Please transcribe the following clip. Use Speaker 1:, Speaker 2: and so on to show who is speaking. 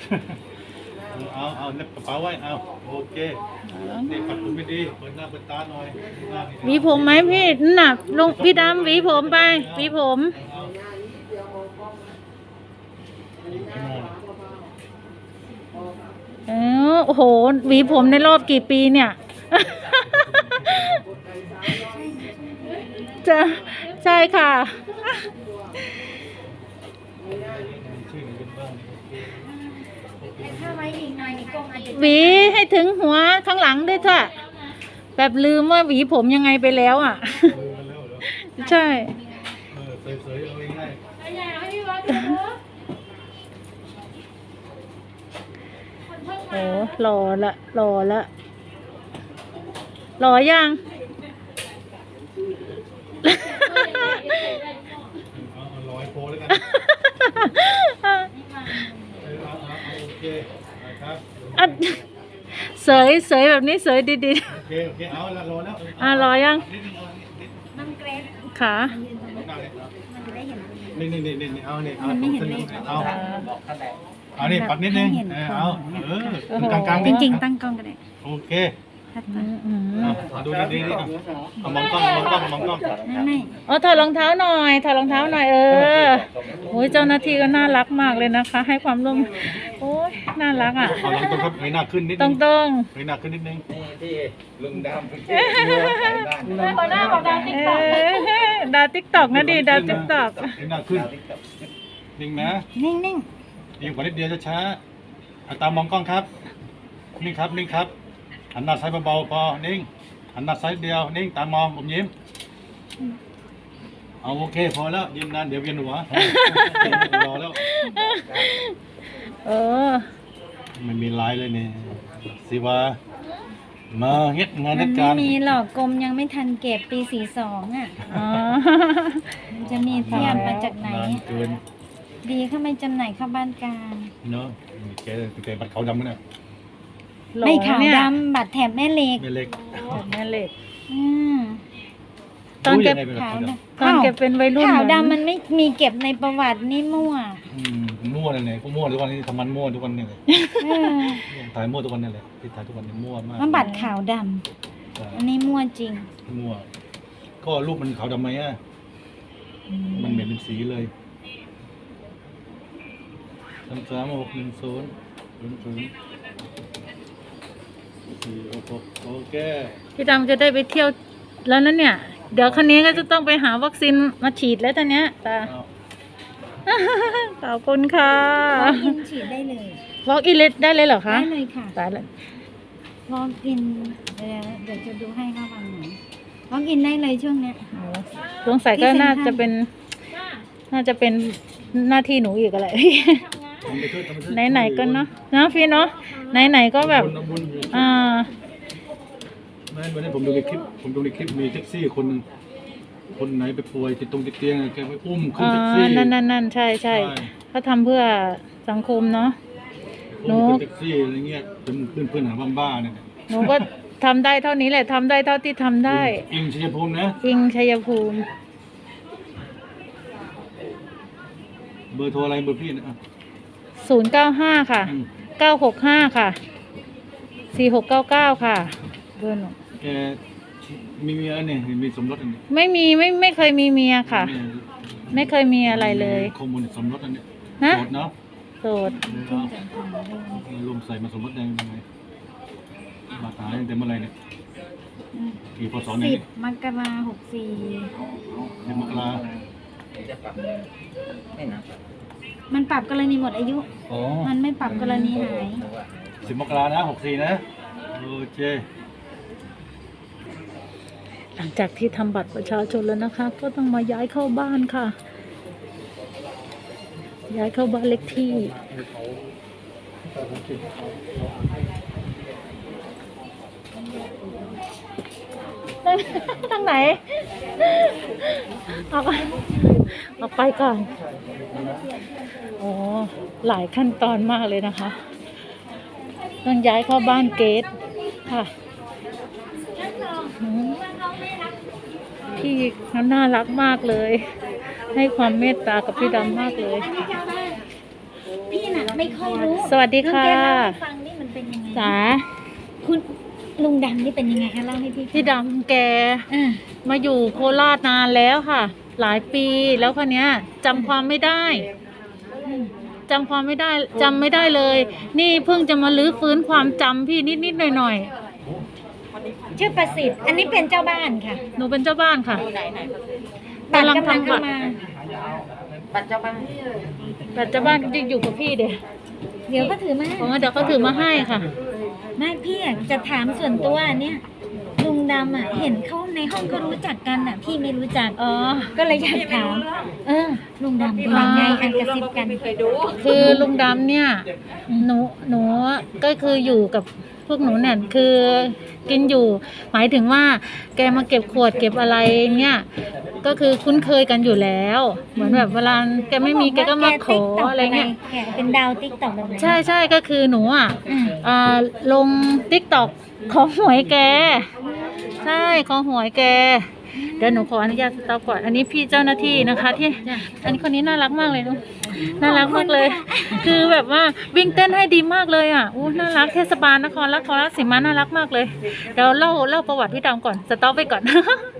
Speaker 1: เอาเน็บกระเป๋าไว้เอาโอเคนี่ปัดผมไม่ดีเปิดหน้าเปิดตาหน่อย
Speaker 2: หวีผมไหมพี่น่ะลงพี่ดำหวีผมไปหวีผมโอ้โหหวีผมในรอบกี่ปีเนี่ย จะใช่ค่ะหวีให้ถึงหัวข้างหลังด้วยจ้ะแบบลืมว่าหวีผมยังไงไปแล้วอ่ะ ใช่
Speaker 1: เสยเอาง่าย
Speaker 2: โอ้หล่อละหล่อละหล่อยัง
Speaker 1: ร้อยโพแล้วกันโอเคครับ
Speaker 2: เสยแบบนี้เสยดี
Speaker 1: ๆโอเคเอาละรอแล้ว
Speaker 2: รอยังขา
Speaker 1: นี่เอานี่เอานี่ปัดนิดนึงเอากลาง
Speaker 3: จริงๆตั้งกล้องกันเลย
Speaker 1: โอเคดูดีๆมองกล้อง
Speaker 3: ไม่
Speaker 2: ถอดรองเท้าหน่อยโอ้ยเจ้าหน้าที่ก็น่ารักมากเลยนะคะให้ความร่วมโอ้ยน่ารักอ่ะ
Speaker 1: เอาหลังตรงครับให้หน้าขึ้นนิดนึงให้หน้าขึ้นนิดนึง
Speaker 4: ที่ลุงดำ
Speaker 2: ดาวติ๊กต็อกนะดิดาวติ๊กต็อก
Speaker 1: ให้หน้าขึ้นนิ่งนะ
Speaker 3: นิ่ง
Speaker 1: นิ่งกว่านิดเดียวช้าๆตามมองกล้องครับนิ่งครับหันหน้าซ้ายเบาๆพอนิ่งหันหน้าซ้ายเดียวนิ่งตามมองผมยิ้มเอาโอเคพอแล้วยิ้มนานเดี๋ยวเวียนหัวรอแล้วไม่มีลายเลยเนี่ยสิว่ามาเฮ็ดงาน
Speaker 3: มัน
Speaker 1: เฮ็ดการ
Speaker 3: ไม่มีหรอกกรมยังไม่ทันเก็บปี42อ่ะมันจะมีเทียบมาจากไหนดีเข้าไม่จำหน่ายเข้าบ้านกลาง
Speaker 1: เนาะแกบัตรขาวดำมั้ยเนี่ย
Speaker 3: ไม่ขาวดำบัตรแถบแม่เหล็ก
Speaker 2: ตอนเก็บเป็นวัยรุ่น
Speaker 3: ขาวดำมันไม่มีเก็บในประวัตินี่มั่ว
Speaker 1: มั่วนั่นแหละก็มั่วทุกวันนี้ทำมันมั่วทุกวันนี่เลยถ่ายมั่วทุกวันนี่แหละที่ถ่ายทุกวันนี่มั่วมาก
Speaker 3: มันบัตรขาวดำอันนี้มั่วจริง
Speaker 1: มั่วก็รูปมันขาวดำไหมอ่ะมันเหม็นเป็นสีเลยโอเค
Speaker 2: พี่ดำจะได้ไปเที่ยวแล้วนั่นเนี่ยเดี๋ยวคันนี้ก็จะต้องไปหาวัคซีนมาฉีดแล้วตอนเนี้ยตาขอบคุณค่ะ
Speaker 3: วอล์กอินฉีดได้เลยว
Speaker 2: อล์กอินได้เลยเหรอคะ
Speaker 3: ได้เลยค่ะ
Speaker 2: ตายเลยว
Speaker 3: อล์กอินเดี๋ยวจะดูให้ค่ะวันไหนวอล์กอินได้เลยช่วงเนี้ย
Speaker 2: สงสัยก็น่าจะเป็นหน้าที่หนูอีกอะไรไหนๆก็เนาะพี่เนาะไหนๆก็แบบ
Speaker 1: ไม่วันนี้ผมดูในคลิปมีแท็กซี่คนนึงคนไหนไปป่วยติดเตียงแกไปอุ้มขึ้นแท็กซี่
Speaker 2: นั่นใช่เขาทำเพื่อสังคมเนาะ
Speaker 1: หนูแท็กซี่อะไรเงี้ยเป็นเพื่อนหาบ้าๆเนี่ย
Speaker 2: หนูก็ทำได้เท่านี้แหละทำได้เท่าที่ทำได้
Speaker 1: อิงชัยภูมินะ
Speaker 2: อิงชัยภูมิ
Speaker 1: เบอร์โทรอะไรเบอร์พี่นะ
Speaker 2: 095ค่ะ965ค่ะ4699ค่ะเบอร์หนู
Speaker 1: แกมีเมียเนี่ยมีสมรสอันนี้
Speaker 2: ไม่เคยมีเมียค่ะไม่เคยมีอะไรเลย
Speaker 1: ข้อมูลสมรสอันนี้โสดเนาะ
Speaker 2: โสด
Speaker 1: รวมใส่มาสมรสได้ยังไงบาตายตั้งแต่เมื่อไรเนี่ยกี่พศเนี่ย
Speaker 3: 10 มกราคม 64
Speaker 1: มกรา
Speaker 3: มันปรับกรณีหมดอายุมันไม่ปรับกรณีหาย
Speaker 1: 10 มกรานะ64นะโอเค
Speaker 2: หลังจากที่ทำบัตรประชาชนแล้วนะคะก็ต้องมาย้ายเข้าบ้านค่ะย้ายเข้าบ้านเล็กที่ทางไหนออกไปก่อนหลายขั้นตอนมากเลยนะคะต้องย้ายเข้าบ้านเกตค่ะพี่เขาน่ารักมากเลยให้ความเมตตากับพี่ดำมากเลย
Speaker 3: พี่น่ะไม่ค่อยรู้
Speaker 2: สวัสดีค่ะ
Speaker 3: ลุงแกเล่าให้ฟังนี่มันเป็นยังไง
Speaker 2: จ๋า
Speaker 3: คุณลุงดำนี่เป็นยังไงคะเล่าให้พี่ฟัง
Speaker 2: พี่ดำแก
Speaker 3: อ่า
Speaker 2: มาอยู่โคราชนานแล้วค่ะ หลายปีแล้วคนเนี้ยจำความไม่ได้จำความไม่ได้จำไม่ได้เลย นี่เพิ่งจะมาลื้อฟื้นความจำพี่นิดๆหน่อย
Speaker 3: ชื่อประสิทธิ์ อันนี้เป็นเจ้าบ้านค่ะ
Speaker 2: ๆหนูเป็นเจ้าบ้านค่ะ
Speaker 3: บัตร
Speaker 2: กำลัง
Speaker 3: กำลัง
Speaker 2: ทำบั
Speaker 3: เข้า
Speaker 2: ตร
Speaker 3: มา
Speaker 2: แต่เจ้าบ้านจริงๆอยู่กับพี่เดี๋ยว
Speaker 3: เดี๋ยวก็ถือมา
Speaker 2: ผมว่าเดี๋ยวเขาถือมาให้ค่ะ
Speaker 3: ไม่พี่อะจะถามส่วนตัวเนี่ยลุงดำอ่ะ เห็นเขาในห้องเขารู้จักกันอ่ะ พี่ไม่รู้จัก
Speaker 2: อ๋อ
Speaker 3: ก็เลยอยากถาม ลุงดำเป็นยังไงอันกระซิบกัน
Speaker 2: คือลุงดำเนี่ยหนูก็คืออยู่กับพวกหนูเนี่ยคือกินอยู่ หมายถึงว่าแกมาเก็บขวดเก็บอะไรเนี่ยก็คือคุ้นเคยกันอยู่แล้ว เหมือนแบบเวลาแกไม่มีแกก็มาขออะไรเงี้ย
Speaker 3: แกเป็นดาวติ๊กต็อกแบบไหน
Speaker 2: ใช่ก็คือหนูอ่ะ
Speaker 3: อ่า
Speaker 2: ลงติ๊กต็อกของหวยแก ใช่ของหวยแก เดี๋ยวหนูขออนุญาตสต็อปก่อน อันนี้พี่เจ้าหน้าที่นะคะ ที่ อันนี้คนนี้น่ารักมากเลยลูกน่ารักมากเลย คือแบบว่าวิ่งเต้นให้ดีมากเลยอ่ะอู้น่ารักเทศบาลนครราชสีมาน่ารักมากเลย เดี๋ยวเล่าประวัติพี่ดำก่อนสต็อปไปก่อน